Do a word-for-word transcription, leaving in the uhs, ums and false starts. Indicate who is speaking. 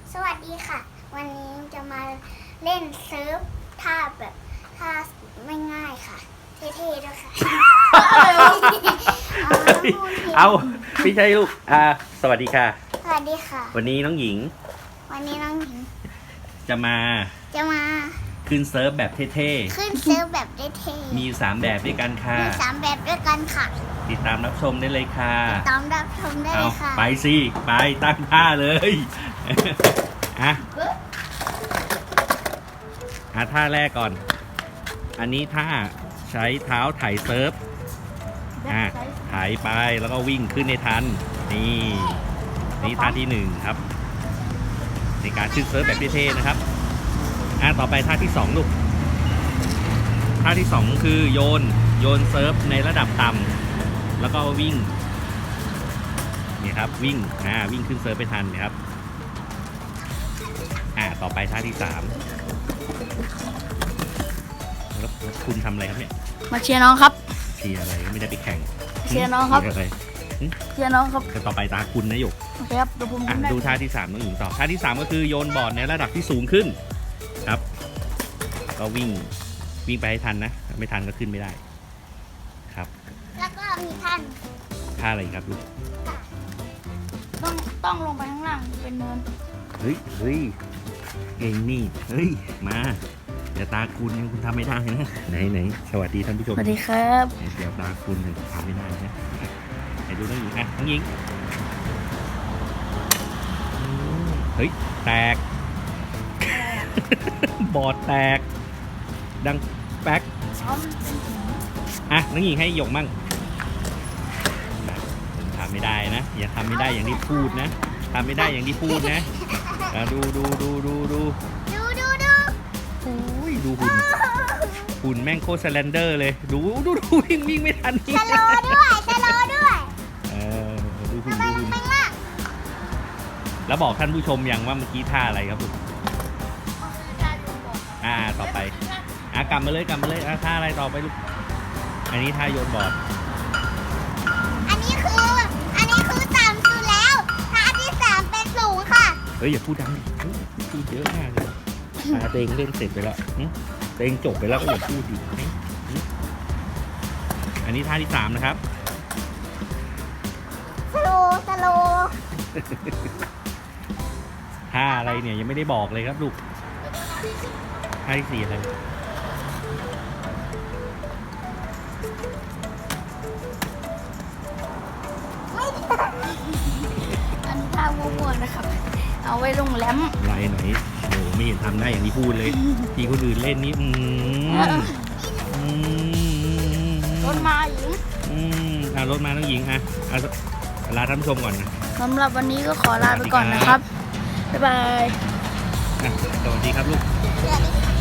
Speaker 1: สวัสดีค่ะ วันนี้จะมาเล่นเซิร์ฟท่าแบบท่าไม่ง่ายค่ะ เท่ๆด้วยค่ะ
Speaker 2: เอาพี่ชัยลูกอ่าสวัสดีค่ะ
Speaker 1: สวัสดีค่ะ
Speaker 2: วันนี้น้องหญิง
Speaker 1: วันนี้น้องหญิง
Speaker 2: จะมา
Speaker 1: จะมา
Speaker 2: ขึ้นเซิร์ฟแบบเท่
Speaker 1: ขึ้นเซิร์ฟแบบเท่
Speaker 2: ๆมีอยู่สามแบบด้วยกันค่ะ
Speaker 1: ๆมีสามแบบด้วยกันค่ะ
Speaker 2: ติดตามรับชมได้เลยค่ะ
Speaker 1: ตามรับชมได้
Speaker 2: เอา
Speaker 1: เลยค่ะ
Speaker 2: ไปสิไปตั้งท่าเลยอ่ะอ่ะท่าแรกก่อน อันนี้ท่าใช้เท้าไถเซิร์ฟอ่ะไถไปแล้วก็วิ่งขึ้นในทันนี่นี่ท่าที่หนึ่งครับ ในการขึ้นเซิร์ฟแบบเท่ๆนะครับอ่ะต่อไปท่าที่สองลูกท่าที่สองคือโยนโยนเซิร์ฟในระดับต่ำแล้วก็วิ่งนี่ครับวิ่งอ่าวิ่งขึ้นเซิร์ฟไปทันนะครับอ่าต่อไปท่าที่สามแล้วแล้วคุณทำอะไรครับเนี่ย
Speaker 3: มาเชียร์น้องครับ
Speaker 2: เชียร์อะไรก็ไม่ได้ไปแข่ง
Speaker 3: เชียร์น้องครับ
Speaker 2: เชียร์อะไร
Speaker 3: เชียร์น้องครับ
Speaker 2: แต่ต่อไปตาคุณนะหยก
Speaker 3: โอเคครับเดี๋ยวผม
Speaker 2: อ่ะ
Speaker 3: ทำได้
Speaker 2: ดูท่าที่สามน้องหญิงต่อท่าที่สามก็คือโยนบอร์ดในระดับที่สูงขึ้นครับก็วิ่งวิ่งไปให้ทันนะไม่ทันก็ขึ้นไม่ได้ครับ
Speaker 1: แล้วก็มีท่าน
Speaker 2: ท่าอะไรอีกครับลูก
Speaker 3: ต้องต้องลงไปข้างล่างเป็นเนิน
Speaker 2: เฮ้ยเฮ้ยเก่งนี่เฮ้ยมาเดี๋ยวตาคุณยังคุณทำไม่ได้นะไหนไหนสวัสดีท่านผู้ช
Speaker 3: ส
Speaker 2: ม
Speaker 3: วัสดีครับ
Speaker 2: เดี๋ยวตาคุณยังทำไม่ได้นะไหนดูน้องหญิงอ่ะน้องหญิงอืมเฮ้ยแตก บอร์ดแตก ดังแป๊ก
Speaker 3: ซ้อมเป็น
Speaker 2: อ่ะน้องหญิงให้หยกมั่งทำไม่ได้นะอย่าทำไม่ได้อย่างที่พูดนะทำไม่ได้อย่างที่พูดนะอ่ะดูดูดูดูดู
Speaker 1: ดูดูดู
Speaker 2: โอ้ยดูหุ่นหุ่นแม่งโคตรสแลนเดอร์เลยดูดูดูวิ่งวิ่งไม่ทันนี่
Speaker 1: สโลว์ด้วยสโลว์ด้วย
Speaker 2: เออดูหุ่น
Speaker 1: ทำไม
Speaker 2: ดู
Speaker 1: มัน
Speaker 2: หุ่น
Speaker 1: ไม่ล่ะ
Speaker 2: แล้วบอกท่านผู้ชมยังว่าเมื่อกี้ท่าอะไรครับลูกอ่าต่อไปอ่ะกลับมาเลยกลับมาเลยอ่ะท่าอะไรต่อไปลูกอันนี้ท่าโยนบอร์ด
Speaker 1: อันนี้คือ อันนี้คือต่ำสุดแล้วท่าที่สามเป็นสูงค่ะ
Speaker 2: เฮ้ยอย่าพูดดังดิเฮ้ยพูดเยอะมากเลยตาเตงเล่นเสร็จไปแล้วหึเตงจบไปแล้วก็อย่าพูดดิหึหึอันนี้ท่าที่สามนะครับ
Speaker 1: สโลว์สโลว์
Speaker 2: ท่าอะไรเนี่ยยังไม่ได้บอกเลยครับลูกท่าที่สี่อะไร
Speaker 3: อันนี้ท่าวัวๆนะครับ เอาไว้ลงแหลม
Speaker 2: อะไรไหนโอ้ไม่เห็นทำได้อย่างที่พูดเลย ที่คนอื่นเล่นนี่อืมอืม
Speaker 3: รถมาหญิง
Speaker 2: อืมอ่ะรถมาน้องหญิงอ่ะอ่ะลาท่านผู้ชมก่อนนะ
Speaker 3: สำหรับวันนี้ก็ขอลาไปก่อนนะครับ บ๊ายบาย
Speaker 2: อ่ะสวัสดีครับลูก
Speaker 1: เชื่อดิ